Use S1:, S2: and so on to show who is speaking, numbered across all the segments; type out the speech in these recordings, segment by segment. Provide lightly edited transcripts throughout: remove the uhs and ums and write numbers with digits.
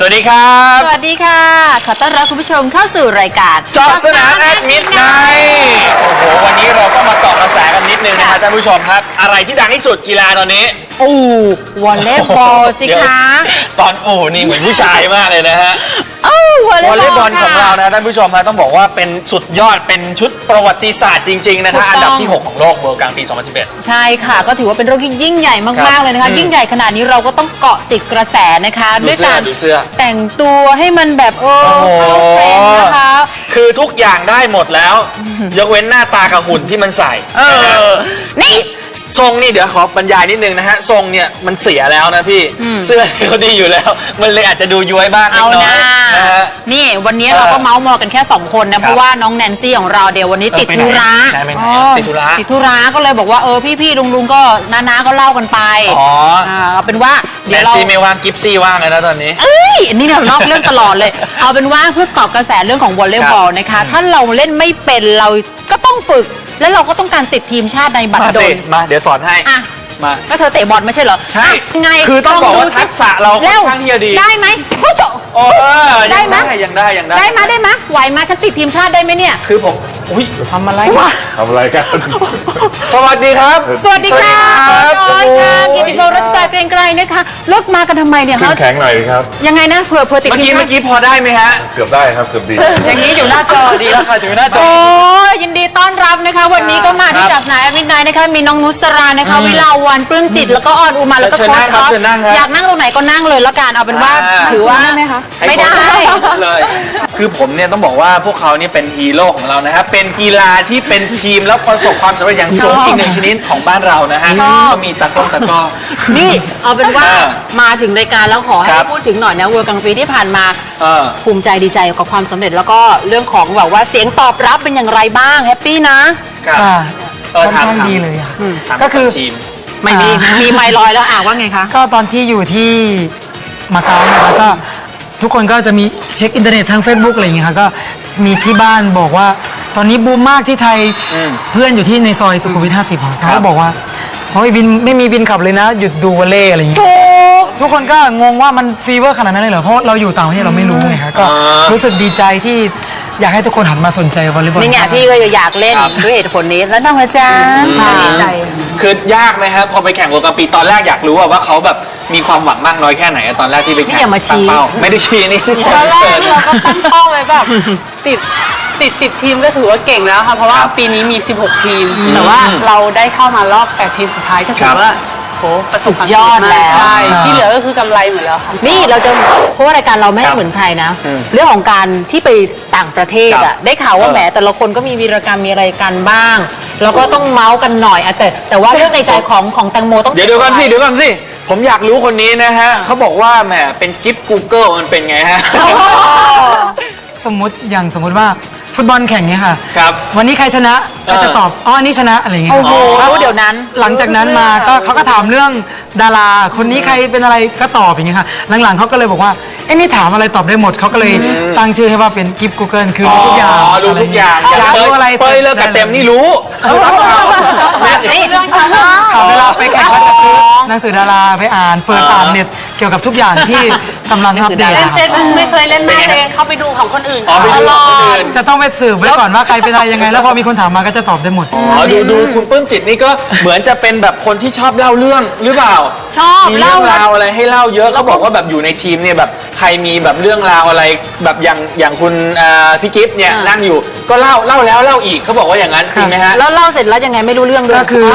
S1: สวัสดีครับ
S2: สวัสดีค่ะขอต้อนรับคุณผู้ชมเข้าสู่รายการ
S1: เจาะสนามแอดมิดไนท์โอ้โหวันนี้เราก็มาเกาะกระแสกันนิดนึงนะครับท่านผู้ชมครับอะไรที่ดังที่สุดกีฬาตอนนี้
S2: วอลเลย์บอลสิคะ
S1: ตอนนี่เหมือนผู้ชายมากเลยนะฮะ
S2: วอลเลย์บอล
S1: ของเรานะท่านผู้ชมนะต้องบอกว่าเป็นสุดยอดเป็นชุดประวัติศาสตร์จริงๆนะคะอันดับที่6ของโลกเมื่อกลางปี2011
S2: ใช่ค่ะก็ถือว่าเป็นเรื่องที่ยิ่งใหญ่มากๆเลยนะคะยิ่งใหญ่ขนาดนี้เราก็ต้องเกาะติดกระแสนะคะด้วยการแต่งตัวให้มันแบบเข้าเทรนด์นะคะ
S1: คือทุกอย่างได้หมดแล้วยกเว้นหน้าตากับหุ่นที่มันใส่
S2: นี่
S1: ทรงนี่เดี๋ยวขอบรรยายนิดนึงนะฮะทรงเนี่ยมันเสียแล้วนะพี่เสื้อเขาดีอยู่แล้วมันเลยอาจจะดูย้วยบ้างนิดหน่อยนะฮะ
S2: นี่วันนี้เราก็เมาส์มอยกันแค่2คนนะเพราะว่าน้องแนนซี่ของเราเดี๋ยววันนี้ติดธุระติดธุระก็เลยบอกว่าพี่ลุงก็น้าก็เล่ากันไปเอาเป็นว่า
S1: แนนซี่ไม่ว่างกิฟซี่ว่างเลยนะตอนนี้
S2: อันนี้เรานอกเรื่องตลอดเลยเอาเป็นว่าเพื่อเกาะกระแสเรื่องของวอลเลย์บอลนะคะถ้าเราเล่นไม่เป็นเราก็ต้องฝึกแล้วเราก็ต้องการติดทีมชาติในบัดดล
S1: มาเดี๋ยวสอนให้
S2: มาก็เธอเตะบอลไม่ใช่เหรอ
S1: ใช่
S2: ไง
S1: คือต้องบอกว่าทักษะเราค่อนข้างที่จะดี
S2: ได้ไหมผู้ชม
S1: ได้ไหมยังได้
S2: ได้ไหมไหวมาฉันติดทีมชาติได้ไหมเนี่ย
S1: คือผมทำอะไร
S3: กัน
S1: สวัสดีครับ
S2: สวัสดีค่ะกิติพงษ์รัชตาเกรียงไกรนะคะเลิกมากันทำไมเนี่ย
S3: ขึ้นแข็งหน่อยครับ
S2: ยังไงนะเผื่อติดทีม
S1: เมื่อกี้พอได้ไหมฮะ
S3: เกือบได้ครับเกือบดี
S1: อย่างนี้อยู่หน้าจอดีแล้วค่ะอยู่หน้าจอ
S2: ยินดีต้อนรับนะคะวันนี้ก็มาที่จับนายมิดไนท์นะคะมีน้องนุสรานะคะวิลาวันปลื้มจิตแล้วก็ออนอุมาแล้วก็โค้ชท็อปอยากนั่งตรงไหนก็นั่งเลยแล้วกันเอาเป็นว่าถือว่าได้ไหมคะไม่ได้
S1: เลยคือผมเนี่ยต้องบอกว่าพวกเขาเนี่ยเป็นฮีโร่ของเรานะครับเป็นกีฬาที่เป็นทีมแล้วประสบความสำเร็จอย่างสูงอีกหนึ่งชนิดของบ้านเรานะฮะก็มีตะก้อ
S2: นี่เอาเป็นว่ามาถึงรายการแล้วขอให้พูดถึงหน่อยนะเวิร์ลกลางปีที่ผ่านมาภูมิใจดีใจกับความสำเร็จแล้วก็เรื่องของแบบว่าเสียงตอบรับเป็นอย่างไรบ้างแฮปปี้นะ
S4: ค่ะค่อนข้างดีเลย
S1: ก็คือ
S2: ไม่มีไมล์ลอยแล้วว่าไงคะ
S4: ก็ตอนที่อยู่ที่มาเก๊านะคะก็ทุกคนก็จะมีเช็คอินเทอร์เน็ตทาง Facebook อะไรอย่างเงี้ยค่ะก็มีที่บ้านบอกว่าตอนนี้บูมมากที่ไทยเพื่อนอยู่ที่ในซอยสุขุมวิท50เขาก็บอกว่าวินไม่มีวินขับเลยนะหยุดดูวอลเลย์อะไรอย่างเงี้ยทุกคนก็งงว่ามันฟีเวอร์ขนาดนั้นเลยเหรอเพราะเราอยู่ต่างประเทศเราไม่รู้ไงคะก็รู้สึกดีใจที่อยากให้ทุกคนหันมาสนใจวอลเลย์บอล
S2: นี่ไงพี่ก็อยากเล่นด้วยเหตุผลนี้แล้วน้องอาจารย์ดีใจ
S1: คือยากไหมครับพอไปแข่งเวิลด์คัพปีตอนแรกอยากรู้ว่าเขาแบบมีความหวังมากน้อยแค่ไหนตอนแรกที่ไปแข่งตั้งเป้าไม่ได้ชี้นี่
S2: ตอนแรกเราก็ตั้งเป้าไว้แบบติด10 ทีมก็ถือว่าเก่งแล้วค่ะเพราะว่าปีนี้มี16 ทีมแต่ว่าเราได้เข้ามารอบ8 ทีมสุดท้ายก็ถือว่าประสบความยอดแล้วใช่ที่เหลือก็คือกำไรหมดแล้วค่ะนี่เราจะเพราะว่ารายการเราไม่เหมือนใครนะเรื่องของการที่ไปต่างประเทศได้ข่าวว่าแหมแต่ละคนก็มีวีรกรรมมีอะไรกันบ้างแล้วก็ต้องเมาส์กันหน่อยแต่ว่าเรื่องในใจของแตงโมต้อง
S1: เดี๋ยวก่อนสิผมอยากรู้คนนี้นะฮะเขาบอกว่าแหมเป็นจิ๊บ Google มันเป็นไงฮะ
S4: สมมติว่าฟุตบอลแข่งเนี่ยค่ะ
S1: ครับ
S4: วันนี้ใครชนะก็จะตอบอันนี้ชนะอะไรเงี้ย
S2: เดี๋ยวนั้น
S4: หลังจากนั้นมาก็เขาก็ถามเรื่องดาราคนนี้ใครเป็นอะไรก็ตอบอย่างเงี้ยค่ะหลังๆเขาก็เลยบอกว่านี่ถามอะไรตอบได้หมดเขาก็เลยตั้งชื่อให้ว่าเป็นกิฟต์ Google คือรู้ทุกอย่าง
S1: รู้ทุกอย่าง
S4: อยากรู้อะไร
S1: เปิดเลิกกับเต็มนี่รู้
S2: นี่เรื่องฉัน
S4: เวลาไปแข่งก็จะซื้อหนังสือดาราไปอ่านเปิดอ่านเน็ตเกี่ยวกับทุกอย่างที่กำลังอัปเดต
S2: ไม่เคยเล่นมากเลยเข้าไปดูของคนอื่น
S1: ตลอด
S4: จะต้องไปสืบไว้ก่อนว่าใครเป็นอะไรยังไงแล้วพอมีคนถามมาก็จะตอบได้หมด
S1: ดูคุณปลื้มจิตนี่ก็เหมือนจะเป็นแบบคนที่ชอบเล่าเรื่องหรือเปล่า
S2: ชอบ
S1: มีเรื่องราวอะไรให้เล่าเยอะเขาบอกว่าแบบอยู่ในทีมเนี่ยแบบใครมีแบบเรื่องราวอะไรแบบอย่างคุณพี่กิฟต์เนี่ยนั่งอยู่ก็เล่าแล้วเล่าอีกเขาบอกว่าอย่างนั้นจริงไหมฮะ
S2: แล้วเล่าเสร็จแล้วยังไงไม่รู้เรื่องด้วย
S4: ก็คือ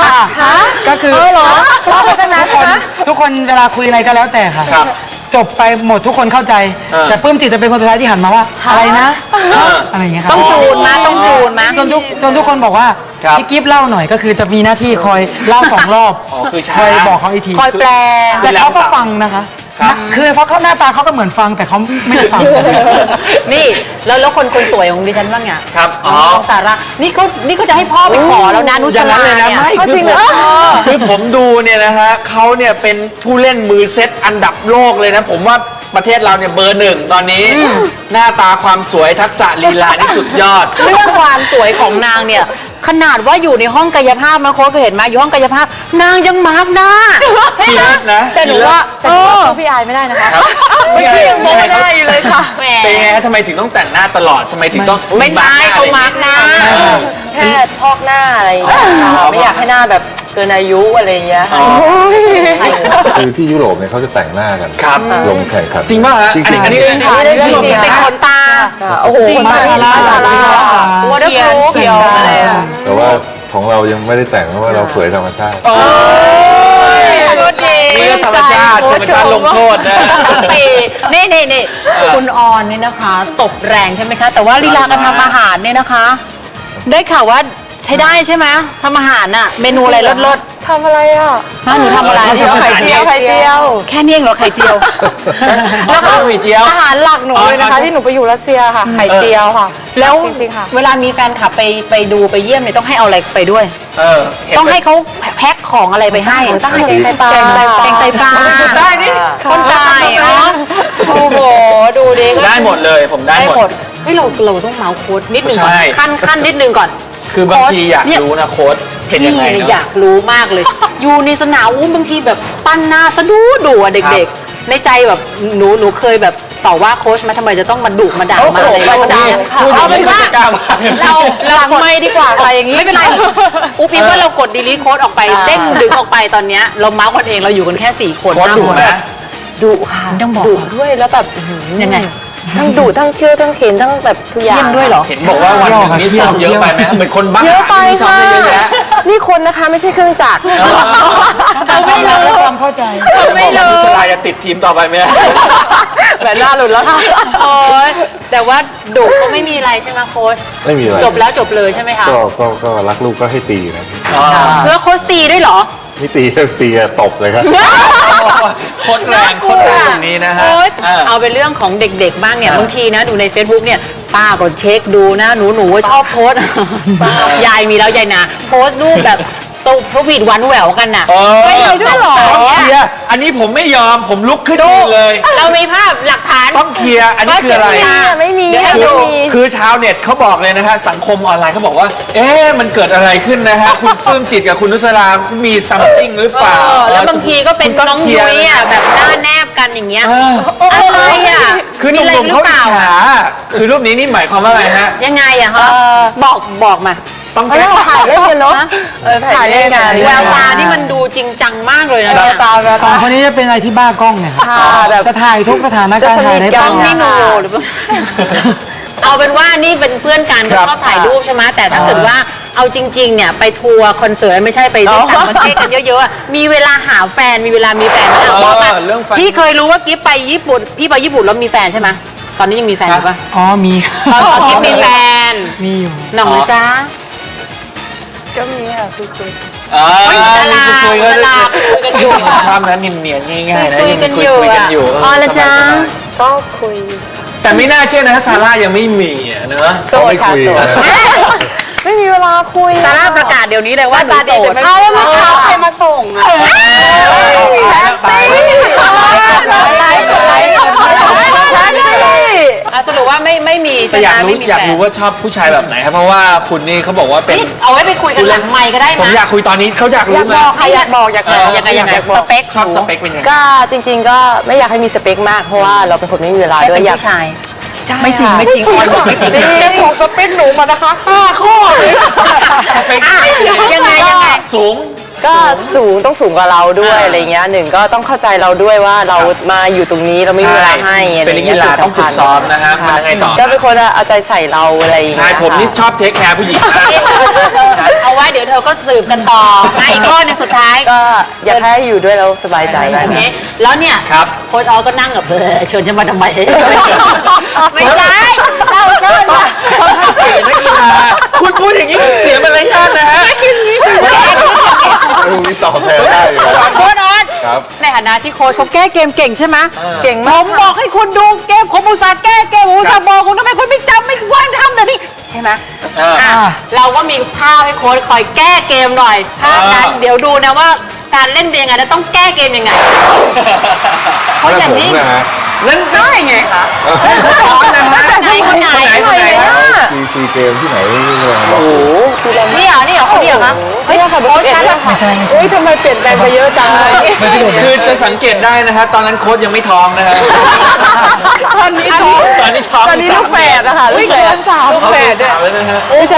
S4: ทุกคนเวลาคุยอะไรก็แล้วแต่ค่ะจบไปหมดทุกคนเข้าใจแต่ปลื้มจิตจะเป็นคนสุดท้ายที่หันมาว่าอะไรนะอะไรอย่างเงี้ย
S2: ต้องจูนมา
S4: จนทุกคนบอกว่าพี่กิฟต์เล่าหน่อยก็คือจะมีหน้าที่คอยเล่า2 รอบคอยบอกเขาอีกที
S2: คอยแปล
S4: แต่เขาก็ฟังนะคะคือเพราะเขาหน้าตาเขาก็เหมือนฟังแต่เขาไม่ได้ฟัง
S2: นี่แล้วคนสวยของดิฉันบ้างไง
S1: ครับ
S2: สาระนี่เขาจะให้พ่อไปขอแล้วนะนุสราเนี่ย
S1: จริงเหรอคือผมดูเนี่ยนะฮะเขาเนี่ยเป็นผู้เล่นมือเซตอันดับโลกเลยนะผมว่าประเทศเราเนี่ยเบอร์ 1ตอนนี้หน้าตาความสวยทักษะลีลานี่สุดยอด
S2: เรื่องความสวยของนางเนี่ยขนาดว่าอยู่ในห้องกายภาพนะโค้ชเคยเห็นไหมอยู่ห้องกายภาพนางยังมาร์กหน้าใช่ไหมแต่หนูว่าจะสู้พี่อายไม่ได้นะคะเมื่อกี้ยังโม้ได้อยู่เลยค่ะแหม
S1: เป็นไงฮะทำไมถึงต้องแต่งหน้าตลอดทำไมถึงต้อง
S2: ไม่ใช่เขามาร์กหน้า
S5: แค่พอกหน้าอะไรอย่างเงี้ยค่ะไม่อยากให้หน้าแบบเกินอายุอะไรอย่างเงี้ยค่ะ
S3: คือที่ยุโรปเนี่ยเขาจะแต่งหน้ากัน
S1: ครับ
S3: ลงแข่งขัน
S1: จริงป่ะฮะ
S3: จริงๆ
S1: อันนี้
S2: เป็นขนตา
S5: โอ้โห
S4: จริง
S5: ตา
S4: มา
S5: ลา
S4: ลา
S5: ตาลา
S2: วอเตอร์พรูฟ
S5: เขียวอะไรอะ
S3: แต่ว่าของเรายังไม่ได้แต่งเพราะว่าเราสวยธรรมชาติ
S2: รถดี
S1: นี่ก็ธรรมชาติลงโทษนะ
S2: นี่คุณออนนี่นะคะ ตบแรงใช่ไหมคะ แต่ว่าลีลาการทำอาหารเนี่ยนะคะ ได้ข่าวว่าใช้ได้ใช่ไหมทำอาหารน่ะเมนูอะไรรส
S5: ทำอะไรอ่ะ
S2: ๆฮะหนูทำอะไร
S5: ไข่เจียวไข่เจียว
S2: แค่นี้เองเหรอไข่เจียว
S1: แล้วก็มีเจียว
S5: อาหารหลักหนูเลยนะคะ ที่หนูไปอยู่รัสเซียค่ะไข่เจียวค่ะ
S2: แล้ว
S5: จริงๆค่ะ
S2: เวลามีแฟนคลับไปดูไปเยี่ยมเนี่ยต้องให้เอาอะไรไปด้วย
S1: เห็น
S2: ต้องให้เขาแพ็คของอะไรไปให้
S5: ตั้งใจไตปลา
S2: แกงไตปลา
S1: ได้นี่
S2: คนตายเหรอโอ้โหดูดิ
S1: ได้หมดเลยผมได้หมด
S2: เฮ้ยเราต้องเมาส์โค้ดนิดนึงก่อน
S1: ใช่
S2: ขั้นนิดนึงก่อน
S1: คือบางทีอยาก
S2: เนี่ย
S1: รู้นะโค้ดเห็นยังไง
S2: นี่
S1: เนาะ
S2: อยากรู้มากเลย อยู่ในสนามบางทีแบบปั้นหน้าสะดุอะ
S1: ครั
S2: เด็ก
S1: บ
S2: ๆ ในใจแบบหนูเคยแบบต่อว่าโค้ชมาทำไมจะต้องมาดุมาด่ามาอะไร
S5: ประจำค่ะ
S2: เอาเป็นว่า
S1: กล้ามา
S2: เราหลังไม่ดีกว่าค่ะอย่างนี้ไม่เป็นไรอูพิมพ์ว่าเรากดดีลีทโค้ดออกไปเด้งดึงออกไปตอนเนี้ยเราเมาส์กันเองเราอยู่กันแค่4 คน
S1: โค้ดดุนะ
S5: ดุค่ะ
S2: ต้องบอก
S5: ดุด้วยแล้วแบบอื้อหือ
S2: ยังไง
S5: ทั้งดุทั้งเคี่ยวทั้งเข็นทั้งแบบทุกอย่าง
S2: เยี่ยมด้วยเหรอ
S1: เห็นบอกว่าวันหนึงนี่ซ้อมเยอะไปไหมเหมือนคนบ้า
S5: เยอะไป
S1: นี่ซ้อม
S5: ค่ะ
S1: ได้เยอะแยะ
S5: นี่คนนะคะไม่ใช่เครื่องจักร
S2: เราไม่รู้
S4: ความเข้าใจ
S2: ไม่รู้
S1: สลายจะติดทีมต่อไปไหม
S5: แบบหน้าหลุดแล้วค่ะ
S2: โอ้ยแต่ว่าดุก็ไม่มีอะไรใช่ไหมโค้ช
S3: ไม่มีอะไร
S2: จบแล้วจบเลยใช่ไหมคะ
S3: ก็รักลูกก็ให้ตีนะ
S2: แล้วโค้ชตีด้วยเหรอ
S3: ไม่ตีอะตบเลยครับ
S1: โคตรแรงโคตรแรงตรงนี้นะฮะ
S2: โอ๊ย
S1: เออ
S2: เอาเป็นเรื่องของเด็กๆบ้างเนี่ยบางทีนะดูใน Facebook เนี่ยป้าก็เช็คดูนะหนูว่าชอบโพสต์ ยายมีแล้วยายนาโพสต์รูปแบบตุกพวีดหวันแหววกันน่ะ
S1: ไม่เลยด้วยหรอ
S2: ต้
S1: ต้
S2: อ
S1: อง ง
S2: เค
S1: เค
S2: ลี
S1: ลี
S2: ย
S1: ย
S2: ร์
S1: ร์อันนี้ผมไม่ยอมผมลุกขึ้นยืนเลย
S2: เรามีภาพหลักฐาน
S1: ต้องเคลียร์อันนี้คืออะไร
S5: ไม่มี
S2: เดี๋ยวให้
S5: ไม่
S2: ดู
S5: มี
S1: คือชาวเน็ตเขาบอกเลยนะฮะสังคมออนไลน์เขาบอกว่า เอ๊ะมันเกิดอะไรขึ้นนะฮะ คุณปลื้มจิตกับคุณนุสรามีซัมติงหรือเปล่า
S2: แล้วบางทีก็เป็น
S1: คุณต้
S2: น้อง
S1: เคลี
S2: ยุ้
S1: ร์
S2: ยอ่ะแบบหน้าแนบกันอย่างเงี้ย
S1: เออ
S2: อะไรอ่ะ
S1: คือห
S2: มีอะไร
S1: นุ่ม
S2: ห
S1: ๆ
S2: รื
S1: เขา
S2: อเป
S1: อิจ
S2: ล่า
S1: ฉาคือรูปนี้นี่หมายความว่าอะไรฮะ
S2: ยังไงอะคะบอกมา
S1: ต้อง
S5: เออถ่ายเล่นกันเนาะถ่ายเล่นกัน
S2: แววตาที่มันดูจริงจังมากเลยนะ
S5: แว
S2: เนี่
S5: วย ตาแวว
S4: สอง
S5: ตา
S4: คนนี้จะเป็นอะไรที่บ้ากล้องเนี่ยครับ
S5: ค่ะแบบ
S4: จะถ่ายทุกสถานการณ์ถ่ายได้
S5: จะ
S4: ต
S5: ส
S4: ล
S5: นิทกั
S4: อด
S5: น
S2: นี่หนูหรือเปล่าเอาเป็นว่านี่เป็นเพื่อนกันก็ชอบถ่ายรูปใช่ไหมแต่ถ้าเกิดว่าเอาจริงๆเนี่ยไปทัวร์คอนเสิร์ตไม่ใช่ไปต่างประเทศกันเยอะๆอะมีเวลาหาแฟนมีเวลามีแฟนไหมอะบอกมา
S1: เรื่องแฟน
S2: พี่เคยรู้ว่ากิ๊ฟไปญี่ปุ่นพี่ไปญี่ปุ่นแล้วมีแฟนใช่ไหมตอนนี้ยังมีแฟนอยู่ปะ
S4: อ๋อมี
S2: ตอนกิ๊ฟมีแฟน
S4: มีอยู่
S2: หน่องนะจ๊ะ
S5: ก็มีค่ะคุย
S2: ดารา
S1: คุยกัน
S2: ดาราคุยกันอยู่
S1: ชอบนะเนียนๆง่ายๆนะ
S2: คุยกันอยู่
S1: คุยกัน
S2: อะ
S1: อยู่
S2: อ๋อละจ๊ะ
S5: ก็คุย
S1: แต่ไม่น่าเชื่อนะซาร่ายังไม่มีอะเนอะ
S3: เขาไม่คุยนะ
S5: ไม่มีเวลาคุย
S2: ซาร่าประกาศเดี๋ยวนี้เลยว่าหนูโสด
S5: เอาว่าเมื่อเช้าใครมาส่งอะ
S1: แฮปปี้
S2: สรุปว่าไม่มี
S1: แต่อยากรู้
S2: ไม่มี
S1: อยาก
S2: แฟน
S1: รู้ว่าชอบผู้ชายแบบไหนครับเพราะว่าคุณนี่เขาบอกว่าเป็น
S2: นี่เอาไว้ไปคุยกันหลังไมค์ก็ได้
S1: ผม
S2: นะ
S1: อยากคุยตอนนี้เขาอยากรู้ไหม
S5: อยากบอกอยากบอก
S2: ยังไงสเปค
S1: ชอบสเปคเป็นยังไง
S5: ก็จริงๆก็ไม่อยากให้มีสเปคมากเพราะว่าเราเป็นคนไม่มีเวลา
S2: ได้
S5: ด้ว
S2: เป็
S5: ย
S2: น
S5: อยาก
S2: ผู้ชาย
S5: ไม่จริงไม่จริง
S2: ออยบอกไม่จริง
S5: เจ้าของสเปคหนูมานะคะ5 ข้อเลย
S1: สเปค
S2: ยังไง
S1: สูง
S5: ก็สูงต้องสูงกว่าเราด้วยอะไรเงี้ยหนึ่งก็ต้องเข้าใจเราด้วยว่าเรามาอยู่ตรงนี้เราไม่มีเวลาให้อะไร
S1: เป็นนัก
S5: เงี้
S1: กี
S5: ย
S1: ฬาต้องฝึกซ้อมนะฮะมันยังไงต่อ
S5: ก็เป็นคนเอาใจใส่เราอะไรอย่าง
S1: ใช่
S5: เงี้ย
S1: ผมนี่ชอบเทคแคร์ผู้หญิงนะ
S2: เอาไว้เดี๋ยวเธอก็สืบกันต่ออีกข้อหนึงสุดท้าย
S5: ก็อยากให้อยู่ด้วยเราสบายใจ
S2: โอเคแล้วเนี่ย
S1: ครับ
S2: โค้ชออก็นั่งกับเชิญฉันมาทำไมไม่ใช่เราเชิญมา
S1: เก่งนักกีฬาคุณพูดอย่างนี้เสียมารยาทนะฮะ
S3: ลูกนี้ตอบแทนได้อยู่แล้ว
S2: โค้ชออ
S3: ครับ
S2: ในฐานะที่โค้ชเขาแก้เกมเก่งใช่ไหม
S5: เก่ง
S2: ผม
S5: าก
S2: มบอกให้คุณดูเกมผมอุตส่าห์แก้เกมผมอุตส่าห์บอกคุณทำไมคุณไม่จำไม่ว่างทำเดี๋ยวนี้ใช่ไหม อ่ะเราก็มีภาพให้โค้ชคอยแก้เกมหน่อยภาพนั้นเดี๋ยวดูนะว่าการเล่นเป็นยังไงแล้วต้องแก้เกมยังไง เพราะอย่างนี้
S3: ผมนะฮะ
S1: นั่น
S2: ได้ไงคะ
S1: สอนนะฮะ
S2: คนไหน
S1: คนไหนครับ
S3: ซีเกมที่ไหนไม่รู้
S5: โอ้โหคือเรา
S2: นี่เหรอคนเดียวคะ
S5: ไม่ใช่ค่ะเบอร์11ด้วย
S4: ไม่ใช่ไม่ใช่
S5: เฮ้ยทำไมเปลี่ยนแปลงไปเยอะจังเลย
S4: ไม่ใช่
S1: คือจะสังเกตได้นะฮะตอนนั้นโค้ชยังไม่ท้องนะฮะ
S5: ตอนนี้ท้อง
S1: ตอนนี้ท้อง
S5: ตอนนี้ลูกแฝดนะคะลูกแฝดลูกแฝดด้วย
S1: แล้วนะฮะ
S2: โอ้โห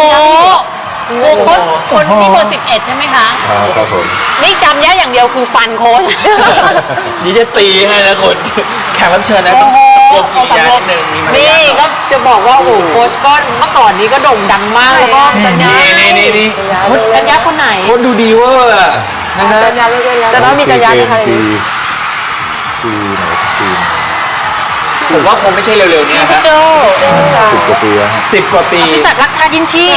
S2: คนที่เบอร์11ใช่ไหมคะ
S3: ครับผม
S2: นี่จำแย่อย่างเดียวคือฟันโค้ช
S1: นี่จะตีให้นะคุณแขกรับเชิญนะต้องกดกิริยานิดนึงมีมาร
S2: นี่
S1: ยาท
S2: ก็จะบอกว่าโอ้โหโค้ชก็เมื่อก่อนนี้ก็โด่งดังมากแล้วก็สัญญา
S1: นี่
S2: สัญญาคนไหน
S1: โค้ชดูดีเวอร์อะนะฮะ
S5: แต่ว่ามีจักรยานนะคะ
S3: ปีไหนปี
S1: ผมว่าคงไม่ใช่เร็วๆนี้นะฮะ
S2: โจ
S3: 10 กว่าปีแล้วฮะ
S1: 10 กว่าปี
S2: พิสัตว์รักชาติยิ่งชีพ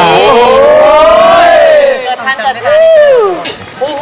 S2: เกิดทันโอ้โห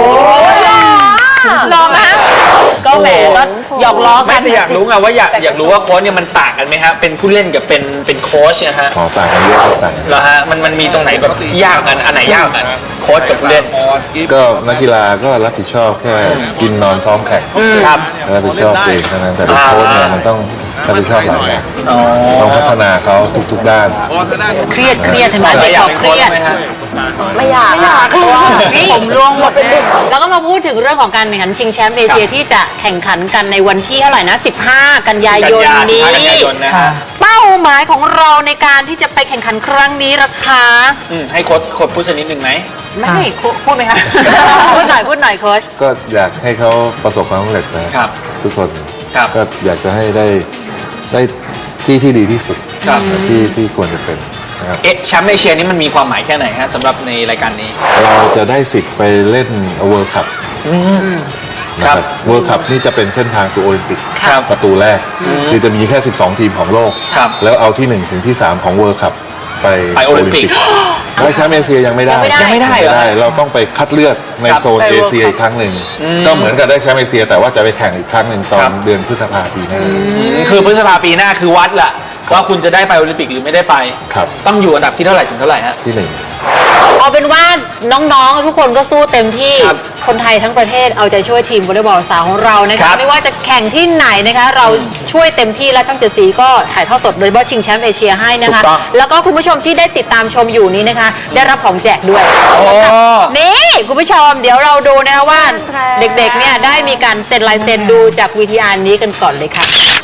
S2: ลองนะก็แหมก็หยอกล้อกั
S1: ไม่
S2: น
S1: แต่อยากรู้ไงว่าอยากรู้ว่าโค้ชเนี่ยมันต่างกันไหมฮะเป็นผู้เล่นกับเป็นโค้ชนะฮะ
S3: ขอต่างกันเยอะครับต่างกัน
S1: เหรอฮะมันมีตรงไหนแบบที่ยากกันอันไหนยากกันโค้ชกับผู้เล่น
S3: ก็นักกีฬาก็รับผิดชอบแค่กินนอนซ้อมแข่ง
S1: ครับ
S3: รับผิดชอบเองเท่านั้นแต่เป็นโค้ชเนี่ยมันต้องรับผิดชอบหลายอย่างต้องพัฒนาเขาทุกๆด้าน
S2: เครียดเห็นไหมเด็ก
S1: อยาก
S2: เขา
S1: เป็น
S2: เค
S1: โค้ช
S2: รียด
S1: ไหมฮะ
S5: ไม่อยากเพราะว่า
S2: นี่ผมร่วงหมดเลยแล้วก็มาพูดถึงเรื่องของการแข่งขันชิงแชมป์เอเชียที่จะแข่งขันกันในวันที่เท่าไหร่นะ 15 กันยายนนี้
S1: กันยายนนะฮะ
S2: เป้าหมายของเราในการที่จะไปแข่งขันครั้งนี้ราคา
S1: ให้โค้ชพูดสักนิดหนึ่งไหม
S2: ไม่พูดไหมคะ พูดหน่อยโค้ช
S3: ก็อยากให้เขาประสบความสำเร็จนะครับ ทุกคน
S1: ครับ
S3: ก็อยากจะให้ได้ที่ดีที่สุด
S1: ครับ
S3: ที่ควรจะเป็นนะครับ
S1: แชมป์เอเชียนี่มันมีความหมายแค่ไหนฮะสำหรับในรายการนี้
S3: เราจะได้สิทธิ์ไปเล่นเวิลด์คัพนะค
S1: ครั
S3: รับบ เวิลด์คัพนี่จะเป็นเส้นทางสู่โอลิมปิก
S1: ครับ
S3: ประตูแรกคือจะมีแค่ 12 ทีมของโลก
S1: ครับ
S3: แล้วเอาที่ 1 ถึงที่ 3 ของเวิลด์คัพไป
S1: ไปโอลิมปิก
S3: และแชมป์เอเชียยังไม่ได้
S1: ยังไม่ได้เหรอ
S3: เราต้องไปคัดเลือกใน
S1: ครับ
S3: โซนเอเชียอีกครั้งหนึ่งก็เหมือนกับได้แชมป์เอเชีย แต่ว่าจะไปแข่งอีกครั้งหนึ่งตอ
S1: ครั
S3: น
S1: บ
S3: เดือนพฤษภาปีหน้า
S1: คือพฤษภาปีหน้าคือวัดแหละว่าคุณจะได้ไปโอลิมปิกหรือไม่ได้ไป
S3: ครับ
S1: ต้องอยู่อันดับที่เท่าไหร่ถึงเท่าไหร่ฮะ
S3: ที่
S2: เอาเป็นว่าน้องๆทุกคนก็สู้เต็มที่
S1: ครับ
S2: คนไทยทั้งประเทศเอาใจช่วยทีมวอลเลย์บอลสาวของเรานะ
S1: ครั
S2: คะ
S1: บ
S2: ไม่ว่าจะแข่งที่ไหนนะคะ เราช่วยเต็มที่และช่องเจ็ดสีก็ถ่ายทอดสดโดยเฉพาะชิงแชมป์เอเชียให้นะคะ
S1: ถูกต้อง
S2: แล้วก็คุณผู้ชมที่ได้ติดตามชมอยู่นี้นะคะ ได้รับของแจกด้วย
S1: โอ้
S2: นี่คุณผู้ชมเดี๋ยวเราดูนะคะว่าเด็กๆเนี่ยได้มีการเซ็นลายเซ็นดูจาก VTR นี้กันก่อนเลยค่ะ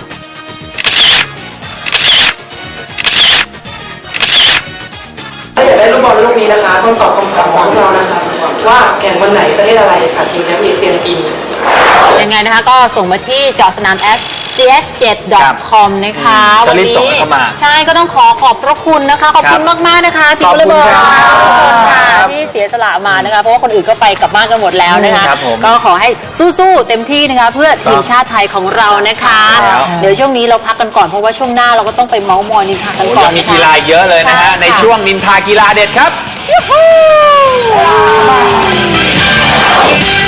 S6: ถ้าอยากได้ลูกบอลลูกนี้นะคะต้องตอบคำถามของเรานะคะว่าแข่งวันไหนประเทศอะไรค่ะชิงแชมป์เอเชียปีนี้
S2: ยังไงนะคะก็ส่งมาที่เจาะสนาม ch7.com นะคะ
S1: ก็รีบส่งเข้ามา
S2: ใช่ก็ต้องขอบพระคุณนะคะ ขอบคุณมากๆนะคะทีม
S1: ขอบ
S2: วอลเล
S1: คุ
S2: ย์
S1: ณ
S2: บอล
S1: ครับ
S2: ค่ะที่เสียสละมานะคะเพราะว่าคนอื่นก็ไปกลับบ้านกันหมดแล้วนะคะ
S1: ครับผม
S2: ก็ขอให้สู้ๆเต็มที่นะคะ เพื่อทีมชาติไทยของเรานะคะ
S1: ครับ
S2: เดี๋ยวช่วงนี้เราพักกันก่อนเพราะว่าช่วงหน้าเราก็ต้องไปเมาส์มอยนินทากัน
S1: โอ้
S2: ก่อ
S1: ยั
S2: น
S1: งมี
S2: นะคะ
S1: กีฬาเยอะเลยนะฮะ
S2: ใช่ค่ะ
S1: ในช่วงนินทากีฬาเด็ดครับ